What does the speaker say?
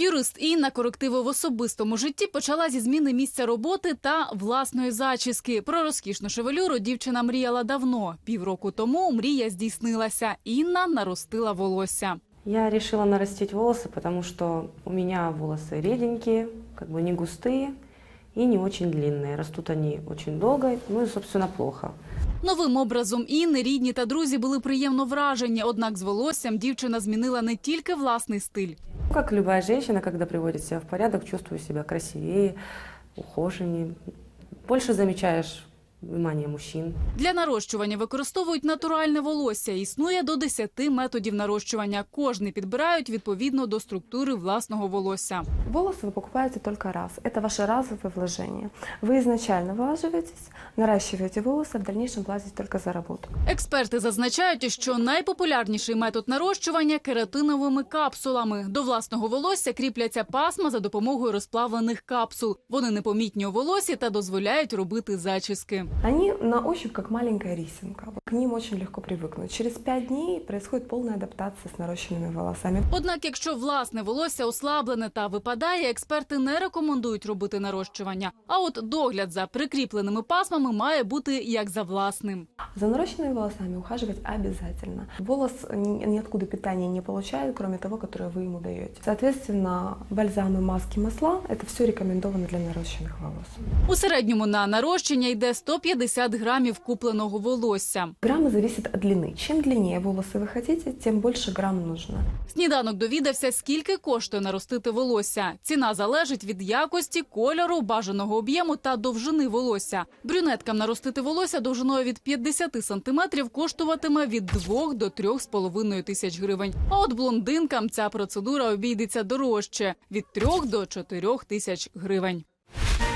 Юрист Інна корективи в особистому житті почала зі зміни місця роботи та власної зачіски. Про розкішну шевелюру дівчина мріяла давно. Півроку тому мрія здійснилася. Інна наростила волосся. Я решила нарастить волосы, потому что у меня волосы реденькие, как бы не густые и не очень длинные. Растут они очень долго, ну и, собственно, плохо. Новим образом Інни рідні та друзі були приємно вражені. Однак з волоссям дівчина змінила не тільки власний стиль. Как любая женщина, когда приводит себя в порядок, чувствую себя красивее, ухоженнее. Больше замечаешь внимание мужчин. Для нарощування використовують натуральне волосся. Існує до 10 методів нарощування. Кожний підбирають відповідно до структури власного волосся. Волосы вы покупаете только раз. Это ваше разовое вложение. Вы изначально вылаживаетесь, наращиваете волосы, а в дальнейшем платите только за работу. Експерти зазначають, що найпопулярніший метод нарощування – кератиновими капсулами. До власного волосся кріпляться пасма за допомогою розплавлених капсул. Вони непомітні у волосі та дозволяють робити зачіски. Они на ощупь как маленькая рисинка. К ним очень легко привыкнуть. Через 5 дней происходит полная адаптация с нарощенными волосами. Однак, якщо власне волосся ослаблене та випадає, експерти не рекомендують робити нарощування. А от догляд за прикріпленими пасмами має бути як за власним. За нарощенными волосами ухаживать обязательно. Волос ниоткуда питания не получает, кроме того, которое вы ему даете. Соответственно, бальзамы, маски, масла – это все рекомендовано для нарощенных волос. У середньому на нарощення йде 150 грамів купленого волосся. Граммы зависят от длины. Чем длиннее волосы вы хотите, тем больше грамм нужно. Сніданок довідався, скільки коштує наростити волосся. Ціна залежить від якості, кольору, бажаного об'єму та довжини волосся. Брюнеткам наростити волосся довжиною від 50 сантиметрів коштуватиме від 2 до 3,5 тисяч гривень. А от блондинкам ця процедура обійдеться дорожче – від 3 до 4 тисяч гривень.